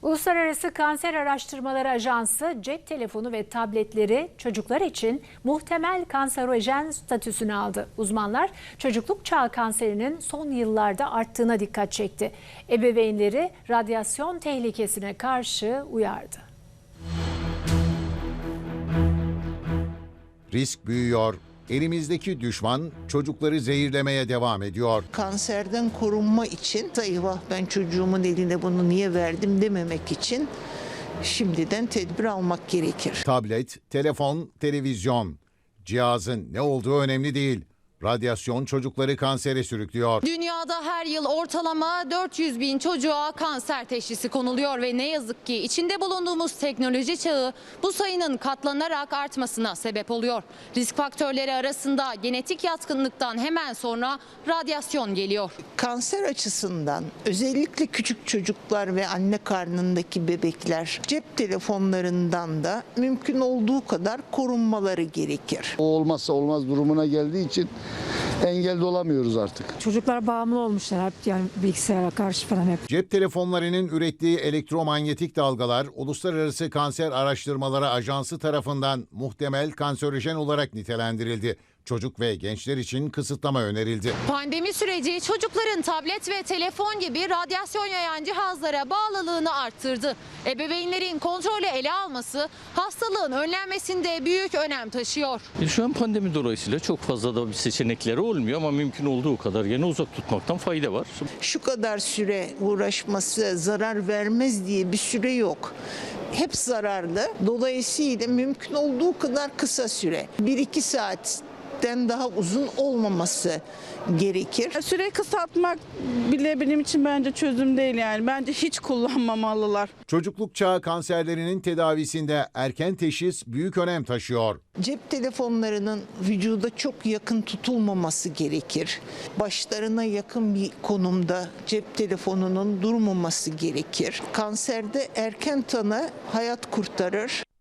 Uluslararası Kanser Araştırmaları Ajansı cep telefonu ve tabletleri çocuklar için muhtemel kanserojen statüsünü aldı. Uzmanlar çocukluk çağı kanserinin son yıllarda arttığına dikkat çekti. Ebeveynleri radyasyon tehlikesine karşı uyardı. Risk büyüyor. Elimizdeki düşman çocukları zehirlemeye devam ediyor. Kanserden korunma için eyvah ben çocuğumun eline bunu niye verdim dememek için şimdiden tedbir almak gerekir. Tablet, telefon, televizyon. Cihazın ne olduğu önemli değil. Radyasyon çocukları kansere sürüklüyor. Dünyada her yıl ortalama 400 bin çocuğa kanser teşhisi konuluyor ve ne yazık ki içinde bulunduğumuz teknoloji çağı bu sayının katlanarak artmasına sebep oluyor. Risk faktörleri arasında genetik yatkınlıktan hemen sonra radyasyon geliyor. Kanser açısından özellikle küçük çocuklar ve anne karnındaki bebekler cep telefonlarından da mümkün olduğu kadar korunmaları gerekir. O olmazsa olmaz durumuna geldiği için engelde olamıyoruz artık. Çocuklar bağımlı olmuşlar hep, yani bilgisayara karşı falan hep. Cep telefonlarının ürettiği elektromanyetik dalgalar Uluslararası Kanser Araştırmaları Ajansı tarafından muhtemel kanserojen olarak nitelendirildi. Çocuk ve gençler için kısıtlama önerildi. Pandemi süreci çocukların tablet ve telefon gibi radyasyon yayan cihazlara bağlılığını arttırdı. Ebeveynlerin kontrolü ele alması hastalığın önlenmesinde büyük önem taşıyor. Şu an pandemi dolayısıyla çok fazla da bir seçenekleri olmuyor ama mümkün olduğu kadar gene uzak tutmaktan fayda var. Şu kadar süre uğraşması zarar vermez diye bir süre yok. Hep zararlı. Dolayısıyla mümkün olduğu kadar kısa süre. 1-2 saatten daha uzun olmaması gerekir. Süreyi kısaltmak bile benim için bence çözüm değil yani. Bence hiç kullanmamalılar. Çocukluk çağı kanserlerinin tedavisinde erken teşhis büyük önem taşıyor. Cep telefonlarının vücuda çok yakın tutulmaması gerekir. Başlarına yakın bir konumda cep telefonunun durmaması gerekir. Kanserde erken tanı hayat kurtarır.